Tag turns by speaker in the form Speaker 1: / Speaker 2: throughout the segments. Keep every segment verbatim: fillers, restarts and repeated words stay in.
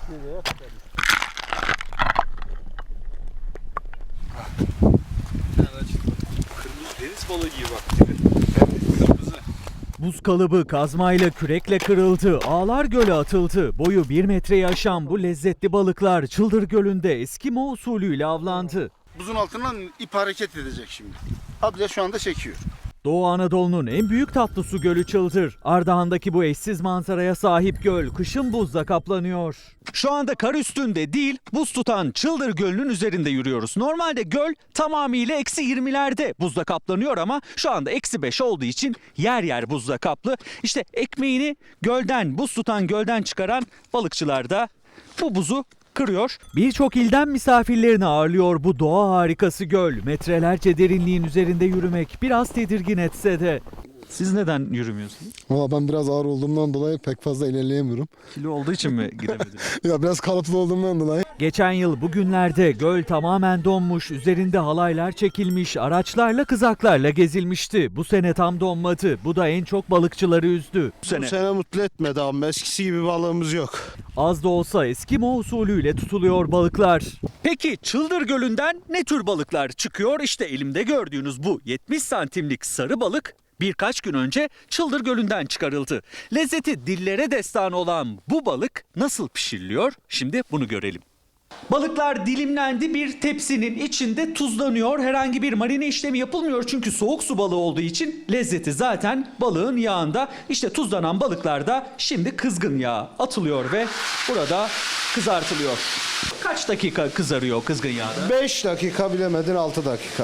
Speaker 1: Kırmızı deniz balığı gibi bak. Kırmızı.
Speaker 2: Buz kalıbı kazmayla kürekle kırıldı, Ağlar Göl'e atıldı. Boyu bir metreyi aşan bu lezzetli balıklar Çıldır Gölü'nde Eskimo usulüyle avlandı.
Speaker 3: Buzun altından ip hareket edecek şimdi. Abla şu anda çekiyor.
Speaker 2: Doğu Anadolu'nun en büyük tatlı su gölü Çıldır. Ardahan'daki bu eşsiz manzaraya sahip göl kışın buzla kaplanıyor.
Speaker 4: Şu anda kar üstünde değil, buz tutan Çıldır Gölü'nün üzerinde yürüyoruz. Normalde göl tamamıyla eksi yirmilerde buzla kaplanıyor ama şu anda eksi beş olduğu için yer yer buzla kaplı. İşte ekmeğini gölden, buz tutan gölden çıkaran balıkçılar da bu buzu kırıyor.
Speaker 2: Birçok ilden misafirlerini ağırlıyor bu doğa harikası göl. Metrelerce derinliğin üzerinde yürümek biraz tedirgin etse de.
Speaker 4: Siz neden yürümüyorsunuz?
Speaker 5: Valla ben biraz ağır olduğumdan dolayı pek fazla ilerleyemiyorum.
Speaker 4: Kilo olduğu için mi gidemediniz?
Speaker 5: Ya biraz kalıplı olduğumdan dolayı.
Speaker 2: Geçen yıl bugünlerde göl tamamen donmuş, üzerinde halaylar çekilmiş, araçlarla kızaklarla gezilmişti. Bu sene tam donmadı. Bu da en çok balıkçıları üzdü.
Speaker 4: Bu sene.
Speaker 3: Bu sene mutlu etmedi ama eskisi gibi balığımız yok.
Speaker 2: Az da olsa Eskimo usulüyle tutuluyor balıklar.
Speaker 4: Peki Çıldır Gölü'nden ne tür balıklar çıkıyor? İşte elimde gördüğünüz bu yetmiş santimlik sarı balık birkaç gün önce Çıldır Gölü'nden çıkarıldı. Lezzeti dillere destan olan bu balık nasıl pişiriliyor? Şimdi bunu görelim. Balıklar dilimlendi, bir tepsinin içinde tuzlanıyor. Herhangi bir marine işlemi yapılmıyor çünkü soğuk su balığı olduğu için lezzeti zaten balığın yağında. İşte tuzlanan balıklar da şimdi kızgın yağ atılıyor ve burada kızartılıyor. Kaç dakika kızarıyor kızgın yağda?
Speaker 3: beş dakika bilemedin altı dakika.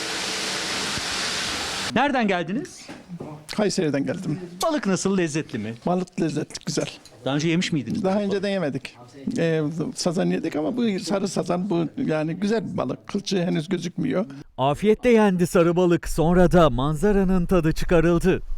Speaker 4: Nereden geldiniz?
Speaker 6: Kayseri'den geldim.
Speaker 4: Balık nasıl, lezzetli mi?
Speaker 6: Balık lezzetli, güzel.
Speaker 4: Daha önce yemiş miydiniz?
Speaker 6: Daha önceden yemedik. Ee, sazan yedik ama bu sarı sazan, bu yani güzel bir balık. Kılçığı henüz gözükmüyor.
Speaker 2: Afiyetle yendi sarı balık, sonra da manzaranın tadı çıkarıldı.